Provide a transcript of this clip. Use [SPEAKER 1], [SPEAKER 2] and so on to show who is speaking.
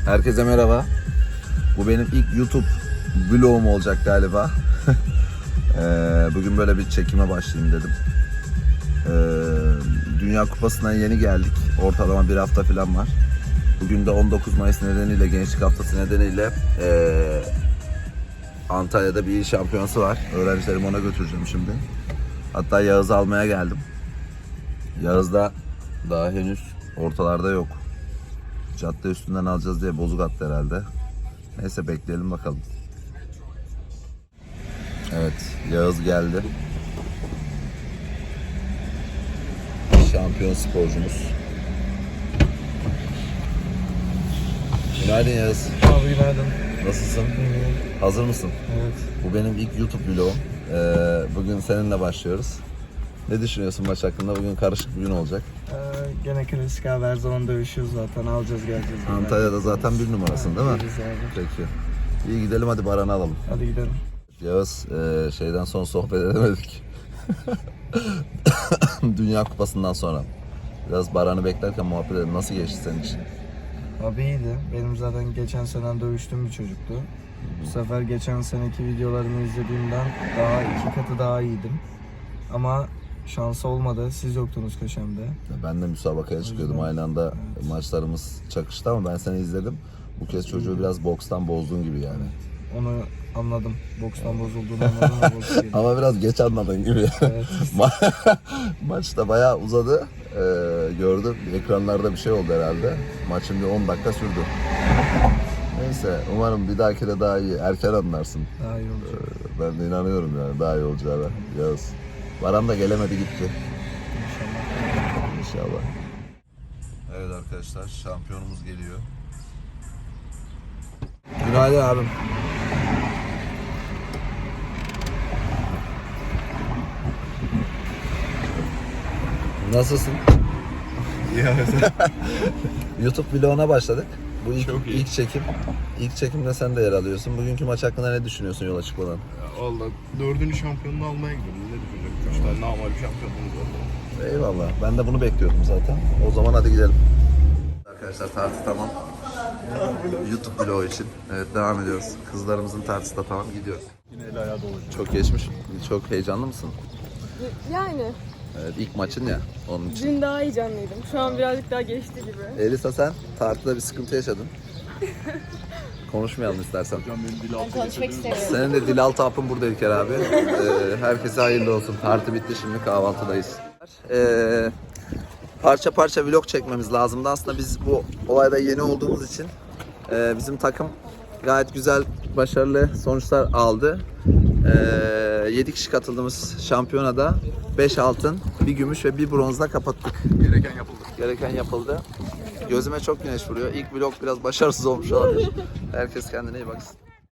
[SPEAKER 1] Herkese merhaba. Bu benim ilk YouTube vlogum olacak galiba. Bugün böyle bir çekime başlayayım dedim. Dünya Kupası'na yeni geldik. Ortalama bir hafta falan var. Bugün de 19 Mayıs nedeniyle, Gençlik Haftası nedeniyle Antalya'da bir il şampiyonası var. Öğrencilerimi ona götüreceğim şimdi. Hatta Yağız'ı almaya geldim. Yağız da daha henüz ortalarda yok. Cadde üstünden alacağız diye bozuk attı herhalde. Neyse bekleyelim bakalım. Evet, Yağız geldi. Şampiyon sporcumuz. Günaydın Yağız.
[SPEAKER 2] Abi günaydın.
[SPEAKER 1] Nasılsın? Hazır mısın?
[SPEAKER 2] Evet.
[SPEAKER 1] Bu benim ilk YouTube vlogum. Bugün seninle başlıyoruz. Ne düşünüyorsun maç hakkında? Bugün karışık bir gün olacak.
[SPEAKER 2] Gene klasik abi, her zaman dövüşüyoruz zaten. Alacağız geleceğiz.
[SPEAKER 1] Antalya'da zaten bir numarasın değil mi?
[SPEAKER 2] Değiliz abi.
[SPEAKER 1] Peki. İyi gidelim, hadi Baran'ı alalım.
[SPEAKER 2] Hadi gidelim.
[SPEAKER 1] Yağız, şeyden sonra sohbet edemedik. Dünya Kupası'ndan sonra. Biraz Baran'ı beklerken muhabbet edelim. Nasıl geçti senin için?
[SPEAKER 2] Abi iyiydi. Benim zaten geçen sene dövüştüğüm bir çocuktu. Bu sefer geçen seneki videolarımı izlediğimden daha 2 katı daha iyiydim. Ama şansı olmadı. Siz yoktunuz köşemde.
[SPEAKER 1] Ben de müsabakaya çıkıyordum. Aynı anda maçlarımız çakıştı ama ben seni izledim. Bu kez çocuğu biraz bokstan bozdun gibi yani.
[SPEAKER 2] Onu anladım. Bokstan bozulduğunu anladım. Ve boks yedim.
[SPEAKER 1] Ama biraz geç anladın gibi.
[SPEAKER 2] Evet.
[SPEAKER 1] Maç da bayağı uzadı. Gördüm. Ekranlarda bir şey oldu herhalde. Maçın bir 10 dakika sürdü. Neyse, umarım bir dahaki de daha iyi. Erken anlarsın.
[SPEAKER 2] Daha iyi olacak.
[SPEAKER 1] Ben de inanıyorum yani daha iyi olacağına. Yağız. Baran da gelemedi gitti.
[SPEAKER 2] İnşallah.
[SPEAKER 1] İnşallah. Evet arkadaşlar, şampiyonumuz geliyor. Günaydın abim. Nasılsın? YouTube vloguna başladık. Bu ilk çekim. İlk çekimde sen de yer alıyorsun. Bugünkü maç hakkında ne düşünüyorsun yola çıkmadan?
[SPEAKER 3] Valla 4. şampiyonluğu almaya gidiyorum. Ne düşünecek? 3 tane normal bir şampiyonluğumuz var.
[SPEAKER 1] Eyvallah. Ben de bunu bekliyordum zaten. O zaman hadi gidelim. Arkadaşlar tartı tamam. YouTube vlogu için. Evet, devam ediyoruz. Kızlarımızın tartısı da tamam, gidiyoruz.
[SPEAKER 3] Yine el ayağı dolu.
[SPEAKER 1] Çok geçmiş. Çok heyecanlı mısın?
[SPEAKER 4] Yani
[SPEAKER 1] Evet, ilk maçın ya onun için.
[SPEAKER 4] dün daha heyecanlıydım. Şu an birazcık daha geçti gibi.
[SPEAKER 1] Elisa, sen tartıda bir sıkıntı yaşadın. Konuşmayalım istersen.
[SPEAKER 3] Hocam benim dil altı
[SPEAKER 4] Konuşmak istemiyorum.
[SPEAKER 1] Senin de dil altı hapın burada İlker abi. Herkese hayırlı olsun. Tartı bitti, şimdi kahvaltıdayız. Parça parça vlog çekmemiz lazımdı. Aslında biz bu olayda yeni olduğumuz için bizim takım gayet güzel, başarılı sonuçlar aldı. 7 kişi katıldığımız şampiyonada 5 altın, 1 gümüş ve 1 bronzla kapattık. Gereken yapıldı. Gözüme çok güneş vuruyor. İlk vlog biraz başarısız olmuş olabilir. Herkes kendine iyi baksın.